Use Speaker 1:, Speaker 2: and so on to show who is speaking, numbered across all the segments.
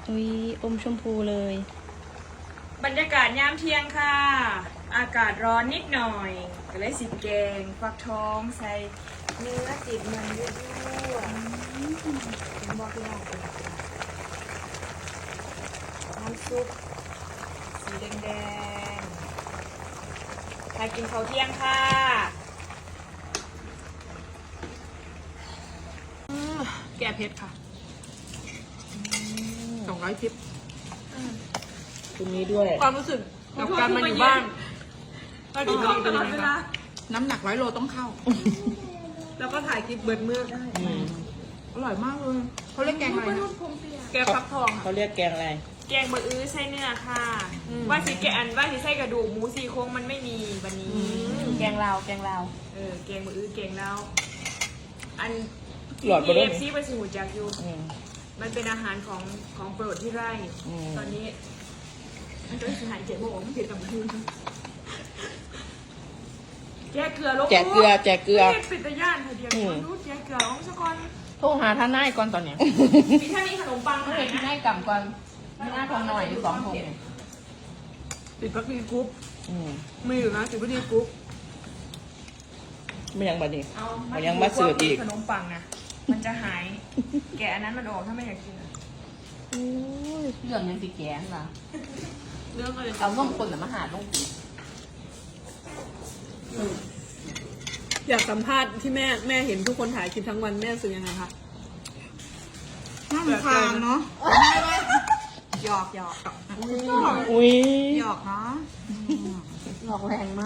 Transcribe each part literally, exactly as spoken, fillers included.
Speaker 1: อุ้ยอมชมพูเลย
Speaker 2: บรรยากาศยามเที่ยงค่ะ อากาศร้อนนิดหน่อยก็เลยสิแกงฟักทองใส่เนื้อติดมันยั่วๆเป็นบอกพี่น้องเป็นน้ำซุปสีแดงๆใครกินข้าวเที่ยงค่ะแก่เผ็ดค่ะสองร้อยทิป
Speaker 1: คุณนี้ด้วย
Speaker 2: ความรู้สึกกับการมาอยู่บ้านก็ดีดีเป็นยังไงบ้าง
Speaker 3: น้ำหนักร้อยโลต้องเข้า
Speaker 2: แล้วก็ถ่ายคลิปเบิร์ดเมือก
Speaker 1: อืม
Speaker 3: อร่อยมากเลยเขาเรียกแกงอะไรนะ
Speaker 2: แกงฟักทองค่ะ
Speaker 1: เขาเรียกแกงอะไร
Speaker 2: แกงเบอร์อื้อไส้เนื้อค่ะ ว่าสิแกอันว่าสิไส้กระดูกหมูสี่โครงมันไม่มีวันนี้
Speaker 1: แกงลาวแกงลาว
Speaker 2: เออแกงเบอร์อื้อแกงแล้ว อัน
Speaker 1: หลอด
Speaker 2: ที่
Speaker 1: บ่ได้
Speaker 2: เอฟซีไปสิหูจักอยู่
Speaker 1: อืม
Speaker 2: มันเป็นอาหารของของโปรดที่ไร่
Speaker 1: อืม
Speaker 2: ตอนนี้มันก็สิหายเจ็บโมงไม่เผ็ดกับมือแกะเกลือลง
Speaker 1: แจกเกลือแจกเกลือ
Speaker 2: ไม่ปิดตะย่านเธอเดียว
Speaker 1: อืม
Speaker 2: รู้แกะเกลือลงสักก่อน
Speaker 3: โทรหาท่านนายก่อนตอนเนี้ย
Speaker 2: มีถ้ามีขนมปัง
Speaker 3: เมื่อ
Speaker 2: ไห
Speaker 3: ไห
Speaker 2: น
Speaker 3: ร่ที่
Speaker 2: นะ
Speaker 3: นายกลับก่อนไม่น่าทองหน่อยหรือสองทง
Speaker 2: ติดพักดีกรุ๊ป
Speaker 1: อืม
Speaker 2: มีอยู่นะติดพักดีกรุ๊ป
Speaker 1: ไม่ยังบัดนี้
Speaker 2: เอา
Speaker 1: มันยังมาสืบอีก
Speaker 2: ขนมปังนะมันจะหาย แกะอันนั้นมันออกถ้าไม่อยากกินอะ
Speaker 3: เรื่องยังสีแกงล่ะ
Speaker 2: เรื่องอะไร
Speaker 3: เอาล่องคนหรือมาหาล่องปี
Speaker 4: อยากสัมภาษณ์ที่แม่แม่เห็นทุกคนถ่ายคลิปทั้งวันแม่รู้สึกยังไงคะ
Speaker 3: น่ารำคาญเนาะหยอกหยอก
Speaker 1: อุ้ย
Speaker 3: หยอกเนาะหยอกแรงมาก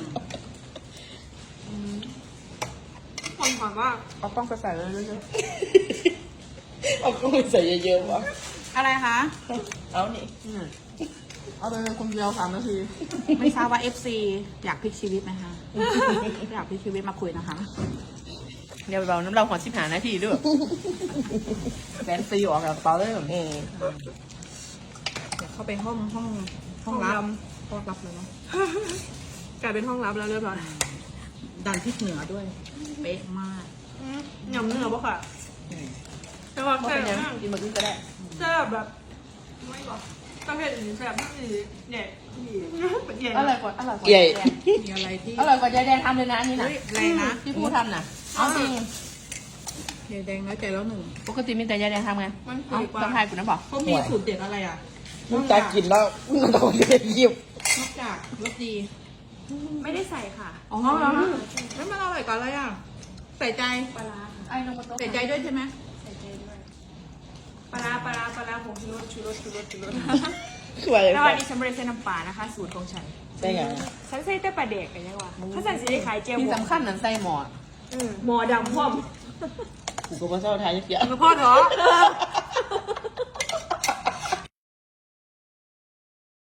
Speaker 2: คนถามว่า
Speaker 3: เอากล้องไปใส่เลยเยอะ
Speaker 1: เอากุ้งไปใส่เยอะๆวะ
Speaker 3: ๆอะไรคะ
Speaker 1: เอานี่
Speaker 3: เอาไปเลยคนเดียวสามนาที ไม่ทราบว่า เอฟ ซี อยากพลิกชีวิตไหมคะ อยากพลิกชีวิตมาคุยนะคะ เดี๋ยวเราน้ำเราขอสิบหานาทีด้วยแฟนซีออกจากเปาเลย
Speaker 1: อืม
Speaker 3: เดี๋ยวเข้าไปห้องห้องห้องรับห้องรับเลยเนาะ
Speaker 4: กลายเป็นห้องลับแล้วเรียบร้อย
Speaker 3: ดันพริกเหนือด้วย เป๊ะมาก
Speaker 4: ยำเนื้อปะค่ะ
Speaker 1: อืม
Speaker 4: แต่ว่า
Speaker 3: ว่า
Speaker 4: แซ่
Speaker 3: เป็นยัง
Speaker 4: บมาก
Speaker 3: กินมาขึ้นก็ได้
Speaker 4: แซ่บแบบไม่บอกประเภทอื่นแซ่บมากเลยเนี่ยเป็นใหญ่
Speaker 3: อร่อยกว่าอร่อยกว่า
Speaker 1: ใหญ่
Speaker 3: ยายแดง
Speaker 4: มีอะไรที่
Speaker 3: อร่อยกว่ายายแดงทำเลยนะอันนี่นะ
Speaker 4: เฮ้ยแรงนะ
Speaker 3: ที่พูดทำน่ะเอาจริง
Speaker 4: ใหญ่แดงแล้วใจแล้วหนึ่ง
Speaker 3: ปกติมีแต่ยายแดงทำไง
Speaker 4: มัน
Speaker 3: เอา
Speaker 4: ดีกว่า
Speaker 3: ต้องทายกูนะบอก
Speaker 4: เขามีสูตรเด็ดอะไรอ่ะ
Speaker 1: มึงจะกินแล้วมึงต้องเรียกยิบ
Speaker 4: นอกจากรสดี
Speaker 2: ไม่ได้ใส่ค่ะ
Speaker 4: อ๋อเหรอไม่มันอร่อยกว่าอะไรอ่ะใส่ใจ
Speaker 2: ปลาร้าค่ะ
Speaker 3: ไอ้ลงมาโต๊ะ
Speaker 4: ใส่ใจด้วยใช่ไหม
Speaker 2: ใส่ใจด้วยปลาร้าปลาร้าปลาร้าผงชูรสชูรสชูรสชูรส
Speaker 1: สวย
Speaker 2: แล้ววันนี้ฉันไม่ได้ใส่น้ำปลานะคะ สูตรของฉัน
Speaker 1: ได้ไง
Speaker 2: ฉันใส่แต่ปลาเด็กกันยังวะถ้าใส่สีได้ขายเจียว
Speaker 3: ที่
Speaker 2: หมู
Speaker 3: สำคัญนั้นใส่หมอ
Speaker 2: หมอดำพร้อม
Speaker 1: กูก็มาเศร้าทายเยอะ
Speaker 4: กระเพาะเถอะ